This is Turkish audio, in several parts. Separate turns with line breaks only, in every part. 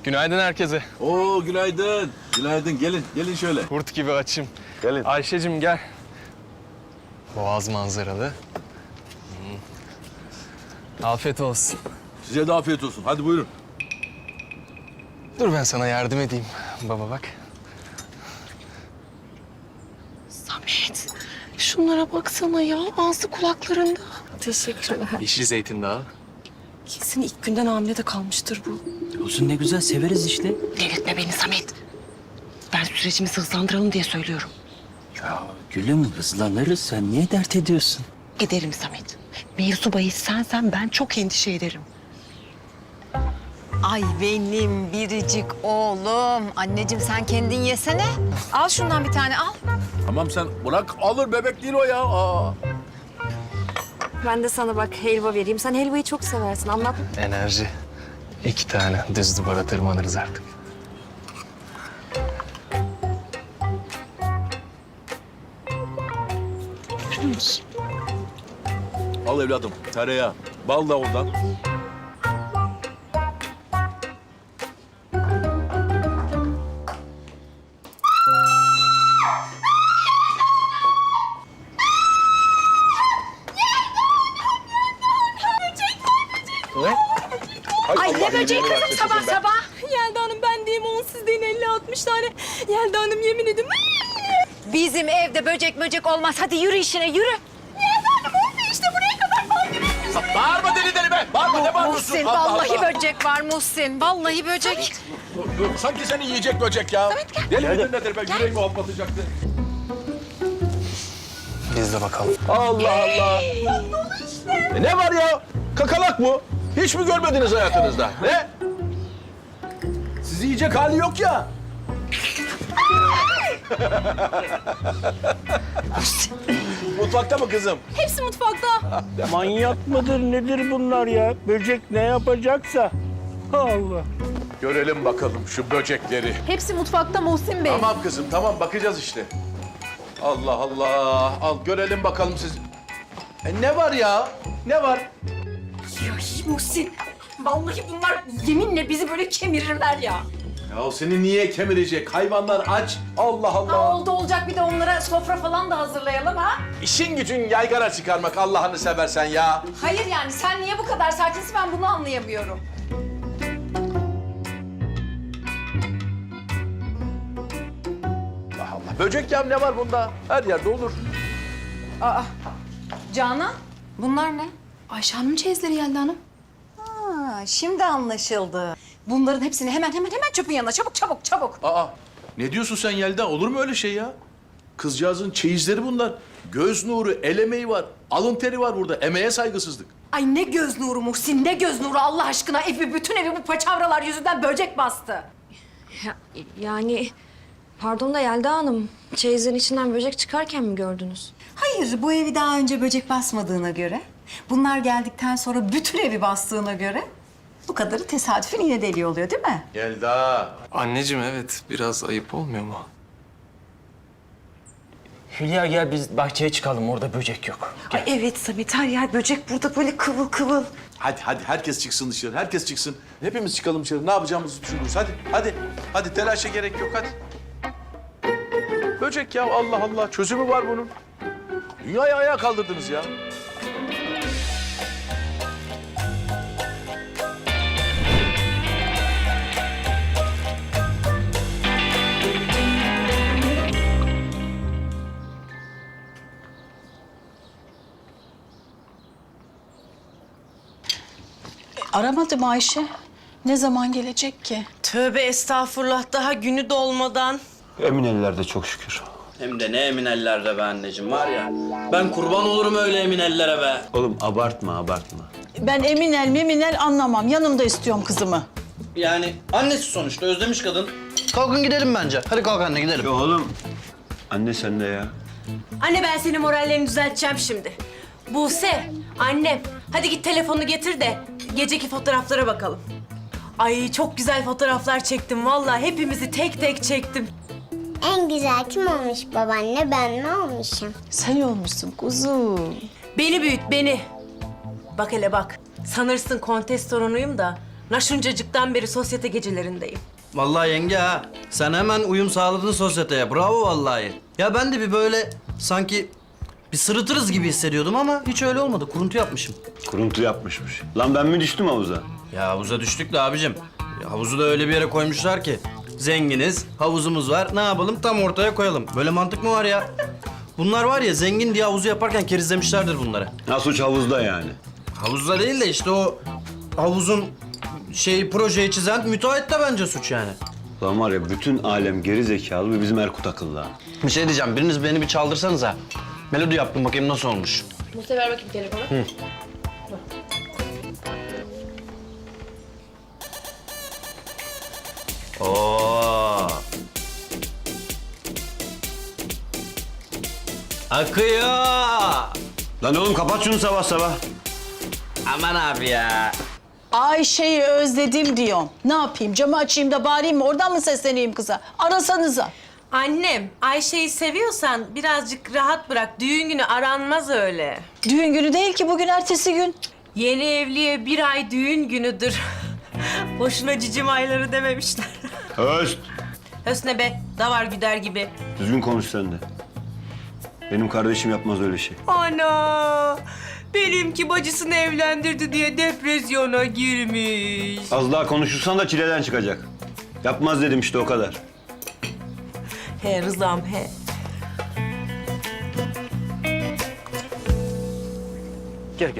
Günaydın herkese.
Oo günaydın. Günaydın. Gelin şöyle.
Kurt gibi açım.
Gelin.
Ayşe'cim gel. Boğaz manzaralı. Afiyet olsun.
Size de afiyet olsun. Hadi buyurun.
Dur ben sana yardım edeyim. Baba bak.
Samet, şunlara baksana ya. Ağzı kulaklarında. Teşekkürler.
Yeşil zeytin dağı.
Kesin ilk günden hamile de kalmıştır bu.
Olsun ne güzel severiz işte.
Delirtme beni Samet. Ben sürecimizi hızlandıralım diye söylüyorum.
Ya gülüm hızlanırız sen niye dert ediyorsun?
Ederim Samet. Mevzu bahis sensen ben çok endişe ederim.
Ay benim biricik oğlum. Anneciğim sen kendin yesene. Al şundan bir tane al.
Tamam sen bırak alır bebek değil o ya. Aa.
Ben de sana bak helva vereyim. Sen helvayı çok seversin. Anlat.
Enerji. 2 tane düz duvara tırmanırız artık.
Al evladım tereyağı. Bal da ondan.
Ne?
Ay ne böceği kızım sabah.
Yelda Hanım ben diyeyim 10 siz deyin 50-60 tane. Yelda Hanım yemin ediyorum.
Bizim evde böcek olmaz. Hadi yürü işine yürü.
Bağırma deli be. Bağırma ne bağırıyorsun?
Muhsin
Allah
vallahi
Allah.
böcek var Muhsin. Vallahi böcek.
Sanki seni yiyecek böcek ya. Deli midir nedir be? Yüreğimi hoplatacaktı.
Biz de bakalım.
Allah Allah. Ne var ya? Kakalak bu. Hiç mi görmediniz hayatınızda? Ne? Sizi yiyecek hali yok ya. Mutfakta mı kızım?
Hepsi mutfakta.
Manyak mıdır nedir bunlar ya? Böcek ne yapacaksa. Allah.
Görelim bakalım şu böcekleri.
Hepsi mutfakta Muhsin Bey.
Tamam kızım tamam bakacağız işte. Allah Allah. Al görelim bakalım siz. Ne var ya? Ne var?
Ya Muhsin. Vallahi bunlar yeminle bizi böyle kemirirler ya.
Ya seni niye kemirecek? Hayvanlar aç. Allah Allah.
Oldu olacak bir de onlara sofra falan da hazırlayalım ha.
İşin gücün yaygara çıkarmak Allah'ını seversen ya.
Hayır yani sen niye bu kadar sakinsin ben bunu anlayamıyorum.
Allah Allah. Böcek ya ne var bunda? Her yerde olur.
Canan bunlar ne?
Ayşe Hanım çeyizleri Yelda Hanım.
Ha, şimdi anlaşıldı. Bunların hepsini hemen çöpün yanına çabuk.
Aa, ne diyorsun sen Yelda? Olur mu öyle şey ya? Kızcağızın çeyizleri bunlar. Göz nuru, el emeği var. Alın teri var burada. Emeğe saygısızlık.
Ay ne göz nuru Muhsin ne göz nuru Allah aşkına. Bütün evi bu paçavralar yüzünden böcek bastı.
Yani pardon da Yelda Hanım, çeyizin içinden böcek çıkarken mi gördünüz?
Hayır bu evi daha önce böcek basmadığına göre, bunlar geldikten sonra bütün evi bastığına göre bu kadarı tesadüfen yine deli oluyor değil mi?
Yelda.
Anneciğim evet biraz ayıp olmuyor mu?
Hülya gel biz bahçeye çıkalım orada böcek yok.
Ay evet Samet her yer böcek burada böyle kıvıl kıvıl.
Hadi herkes çıksın dışarı. Herkes çıksın. Hepimiz çıkalım dışarı. Ne yapacağımızı düşünürüz. Hadi telaşa gerek yok hadi. Böcek ya Allah Allah. Çözümü var bunun. Dünyayı ayağa kaldırdınız ya.
Aramadım Ayşe. Ne zaman gelecek ki?
Tövbe estağfurullah daha günü dolmadan.
Emin ellerde çok şükür.
Hem de ne emin ellerde be anneciğim var ya. Ben kurban olurum öyle emin ellere be.
Oğlum abartma.
Ben eminel meminel anlamam. Yanımda istiyorum kızımı.
Yani annesi sonuçta özlemiş kadın. Kalkın gidelim bence. Hadi kalk anne gidelim.
Ya oğlum. Anne sen de ya.
Anne ben senin morallerini düzelteceğim şimdi. Buse, annem hadi git telefonu getir de geceki fotoğraflara bakalım. Ay çok güzel fotoğraflar çektim vallahi hepimizi tek tek çektim.
En güzel kim olmuş babaanne, ben mi olmuşum?
Sen olmuşsun kuzum.
Beni büyüt beni. Bak hele bak. Sanırsın kontes torunuyum da Naşuncacıktan beri sosyete gecelerindeyim.
Vallahi yenge ha. Sen hemen uyum sağladın sosyeteye. Bravo vallahi. Ya ben de bir böyle sanki bir sırıtırız gibi hissediyordum ama hiç öyle olmadı. Kuruntu yapmışım.
Kuruntu yapmışmış. Lan ben mi düştüm havuza?
Ya havuza düştük de abicim. Ya havuzu da öyle bir yere koymuşlar ki. Zenginiz, havuzumuz var. Ne yapalım? Tam ortaya koyalım. Böyle mantık mı var ya? Bunlar var ya zengin diye havuzu yaparken kerizlemişlerdir bunları.
Ha, suç havuzda yani.
Havuzda değil de işte o havuzun projeyi çizen müteahhit de bence suç yani.
Lan var ya bütün alem geri zekalı ve bizim Erkut akıllı ha.
Bir şey diyeceğim. Biriniz beni bir çaldırsanıza. Melodi yaptım bakayım nasıl olmuş.
Mustafa ver bakayım telefonu.
Oo. Akıyor.
Lan oğlum kapat şunu sabah sabah.
Aman abi ya.
Ayşe'yi özledim diyorum. Ne yapayım? Camı açayım da bağırayım mı? Oradan mı sesleneyim kıza? Arasanıza.
Annem, Ayşe'yi seviyorsan birazcık rahat bırak. Düğün günü aranmaz öyle.
Düğün günü değil ki bugün, ertesi gün.
Yeni evliye bir ay düğün günüdür. Boşuna cicim ayları dememişler.
Höst.
Hösne be, davar güder gibi.
Düzgün konuş sen de. Benim kardeşim yapmaz öyle şey.
Ana! Benimki bacısını evlendirdi diye depresyona girmiş.
Az daha konuşursan da çileden çıkacak. Yapmaz dedim işte o kadar.
He Rızam he.
Gel.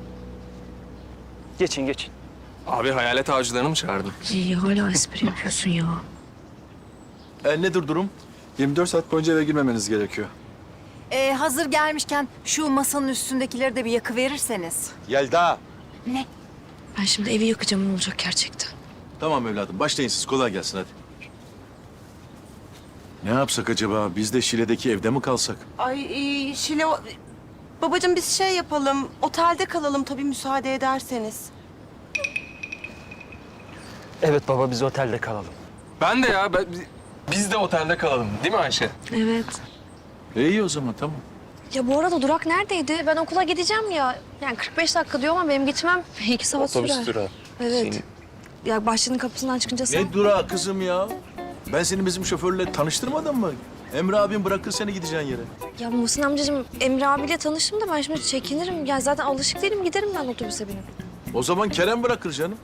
Geçin. Abi hayalet avcılarını mı çağırdın?
İyi hala espri yapıyorsun ya.
Nedir durum?
24 saat boyunca eve girmemeniz gerekiyor.
Hazır gelmişken şu masanın üstündekileri de bir yakıverirseniz.
Yelda.
Ben şimdi evi yakacağım, ne olacak gerçekten?
Tamam evladım başlayın siz kolay gelsin hadi. Ne yapsak acaba? Biz de Şile'deki evde mi kalsak?
Ay Şile... Babacığım biz şey yapalım, otelde kalalım tabii müsaade ederseniz.
Evet baba biz otelde kalalım. Ben de ya. Biz de otelde kalalım değil mi Ayşe?
Evet.
İyi o zaman tamam.
Ya bu arada durak neredeydi? Ben okula gideceğim ya. Yani 45 dakika diyor ama benim gitmem 2 saat sürer.
Otobüs durağı.
Evet. Ya bahçenin kapısından çıkınca sen...
Ne durağı kızım ya? Ben seni bizim şoförle tanıştırmadım mı? Emre abim bırakır seni gideceğin yere.
Ya Muhsin amcacığım Emre abiyle tanıştım da ben şimdi çekinirim. Ya zaten alışık değilim, giderim ben otobüse binip.
O zaman Kerem bırakır canım.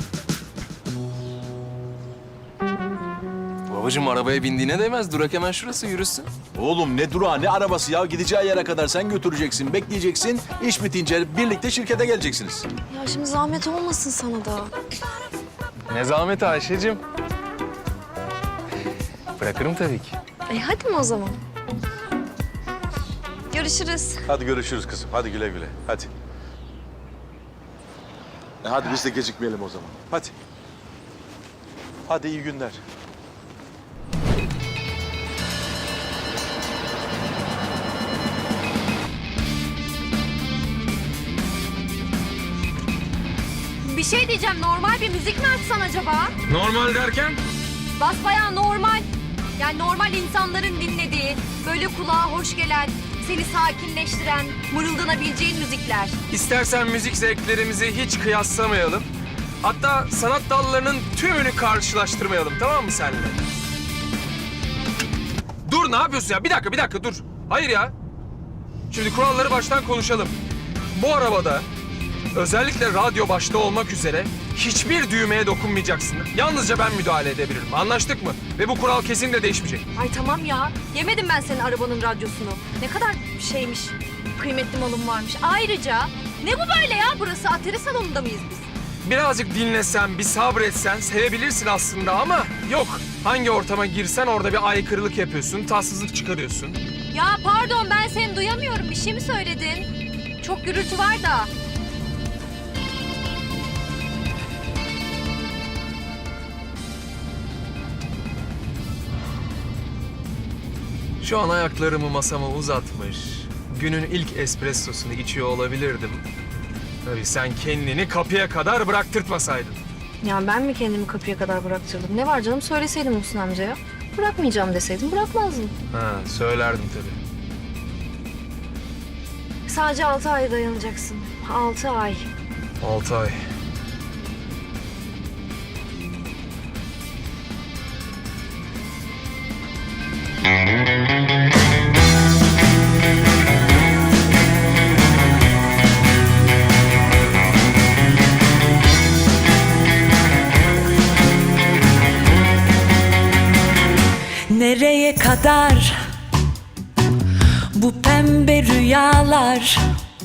Babacığım arabaya bindiğine değmez. Durak hemen şurası, yürüsün.
Oğlum ne durağı ne arabası ya? Gideceği yere kadar sen götüreceksin, bekleyeceksin. İş bitince birlikte şirkete geleceksiniz.
Ya şimdi zahmet olmasın sana da.
Ne zahmet Ayşe'cim. Bırakırım tabii ki.
Hadi mi o zaman? Görüşürüz.
Hadi görüşürüz kızım. Hadi güle güle. Hadi. Hadi biz de gecikmeyelim o zaman. Hadi. Hadi iyi günler.
Bir şey diyeceğim, normal bir müzik mi açsan acaba?
Normal derken?
Basbayağı normal. Yani normal insanların dinlediği, böyle kulağa hoş gelen, seni sakinleştiren, mırıldanabileceğin müzikler.
İstersen müzik zevklerimizi hiç kıyaslamayalım. Hatta sanat dallarının tümünü karşılaştırmayalım, tamam mı seninle? Dur, ne yapıyorsun ya? Bir dakika dur. Hayır ya. Şimdi kuralları baştan konuşalım. Bu arabada özellikle radyo başta olmak üzere hiçbir düğmeye dokunmayacaksın. Yalnızca ben müdahale edebilirim. Anlaştık mı? Ve bu kural kesinlikle değişmeyecek.
Ay tamam ya, yemedim ben senin arabanın radyosunu. Ne kadar şeymiş, kıymetli malım varmış. Ayrıca ne bu böyle ya? Burası atari salonunda mıyız biz?
Birazcık dinlesen, bir sabretsen sevebilirsin aslında ama yok. Hangi ortama girsen orada bir aykırılık yapıyorsun, tatsızlık çıkarıyorsun.
Ya pardon, ben seni duyamıyorum. Bir şey mi söyledin? Çok gürültü var da.
Şu an ayaklarımı masama uzatmış, günün ilk espressosunu içiyor olabilirdim. Tabii sen kendini kapıya kadar bıraktırtmasaydın.
Ya ben mi kendimi kapıya kadar bıraktırdım? Ne var canım, söyleseydim Muhsin amcaya. Bırakmayacağım deseydim bırakmazdım.
Ha, söylerdim tabii.
Sadece 6 ay dayanacaksın. 6 ay.
6 ay.
Nereye kadar bu pembe rüyalar?